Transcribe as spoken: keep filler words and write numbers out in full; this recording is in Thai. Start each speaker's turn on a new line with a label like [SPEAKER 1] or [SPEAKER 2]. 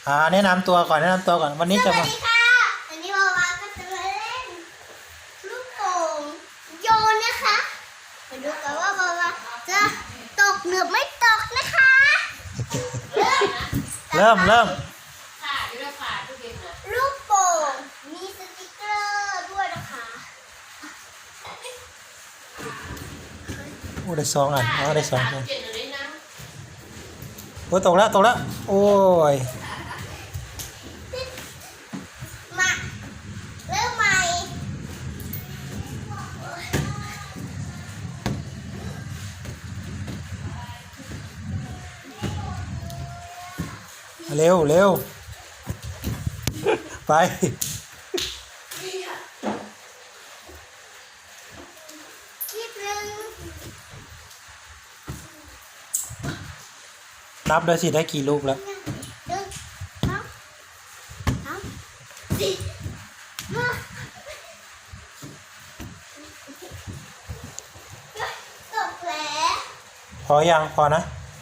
[SPEAKER 1] อ่าแนะนำตัวก่อนแนะนำตัวก่อนวันนี้
[SPEAKER 2] ส
[SPEAKER 1] จะ
[SPEAKER 2] วัส
[SPEAKER 1] มา
[SPEAKER 2] ดีค่ะวันนี้วาวาก็จะมาเล่นลูกโป่งโยนนะคะมาดูกันว่าวาวาจะตกหรือไม่ตกนะคะเริ่ม
[SPEAKER 1] เริ่มเริ่ม
[SPEAKER 3] ค่ะเดี๋ยวค่ะทุกเย็นนะ
[SPEAKER 2] ลูกโป่งมีสติกเกอร์ด้วยนะคะ
[SPEAKER 1] โอ้ได้สองอันอ๋อได้สองอัน
[SPEAKER 3] เย็นเลยนะ
[SPEAKER 1] โอ้ตกแล้วตกแล้วโอ้ย
[SPEAKER 2] มาเริ่มใหม่
[SPEAKER 1] เร็วเร็วไป
[SPEAKER 2] คลิปหนึ่ง
[SPEAKER 1] นับเลยสิได้กี่ลูกแล้ว
[SPEAKER 2] หนึ่งสองสามสี่ห้าตกแล้ว
[SPEAKER 1] พอยังพอนะ